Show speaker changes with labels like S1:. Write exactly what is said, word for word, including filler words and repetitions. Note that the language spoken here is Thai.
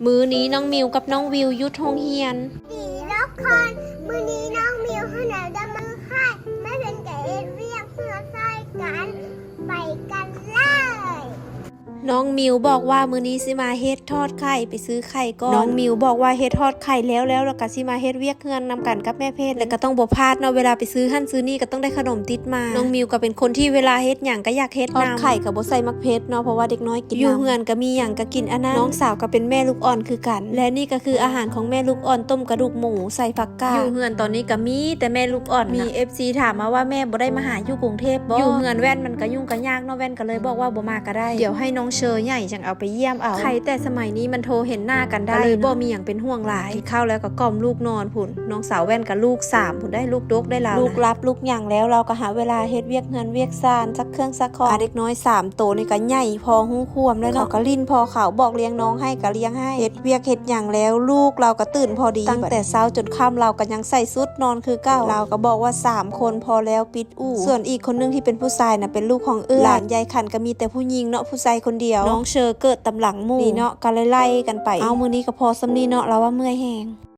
S1: มื้อนี้น้องมิวกับน้องวิวยุดโรงเรียน
S2: ดีแล้วคนมือนี้น้องมิวขนาดจะมาค่ายไม่เป็นแก่เรียกเพื่อใส่กันไปกันเลย
S1: น้องมิวบอกว่ามื้อนี้สิมาเฮ็ดทอดไข่ไปซื้อไข่ก่อนน้องมิวบอกว่าเฮ็ดทอดไข่แล้วแล้วแล้วก็สิมาเฮ็ดเวียกเฮือนนำกันกับแม่เพชรแล้วก็ต้องบ่พลาดเนาะเวลาไปซื้อหั่นซื้อนี่ก็ต้องได้ขนมติดมาน้องมิวก็เป็นคนที่เวลาเฮ็ดหยังก็อยากเฮ็ดทอดไข่ก็บ่ใส่มักเพชรเนาะเพราะว่าเด็กน้อยกินอยู่เฮือนก็มีหยังก็กินอันนั้นน้องสาวก็เป็นแม่ลูกอ่อนคือกันและนี่ก็คืออาหารของแม่ลูกอ่อนต้มกระดูกหมูใส่ผักกาดอยู่เฮือนตอนนี้ก็มีแต่แม่ลูกอ่อนมี เอฟ ซี ถามมาว่าแม่บ่ได้มาหาอยู่กรุงเทพบ่อยู่เฮือนแว่นมันก็ยุ่งก็ยากเนาะแว่นก็เลยบอกว่าบ่มาก็ได้เดี๋ยวให้น้องเชอใหญ่จังเอาไปเยี่ยมเอาใครแต่สมัยนี้มันโทรเห็นหน้ากันได้เลยบ่มีอย่างเป็นห่วงหลายเข้าแล้วก็กล่อมลูกนอนพุ่นน้องสาวแว่นกับลูกสามพุ่นได้ลูกดกได้แล้วลูกรับลูกหยังแล้วเราก็หาเวลาเฮ็ดเวียกเงินเวียกซานซักเครื่องซักของเด็กน้อยสามโตนี่ก็ใหญ่พอหู้ควมแล้วเขาก็ลิ้นพอเขาบอกเลี้ยงน้องให้ก็เลี้ยงให้เฮ็ดเวียกเฮ็ดหยังแล้วลูกเราก็ตื่นพอดีตั้งแต่เช้าจนค่ำเราก็ยังใส่ชุดนอนคือเก่าเราก็บอกว่าสามคนพอแล้วปิดอู่ส่วนอีกคนนึงที่เป็นผู้ชายน่ะเป็นลูกของเอื้อหลานยายขันก็มีแต่ผู้หญิงเนาะผู้ชายคนเดียวน้องเชอเกิดตำหลังหมู่นี่เนาะก็ไล่ๆกันไปเอามื้อนี้ก็พอสำนี้เนาะเราว่าเมื่อยแฮง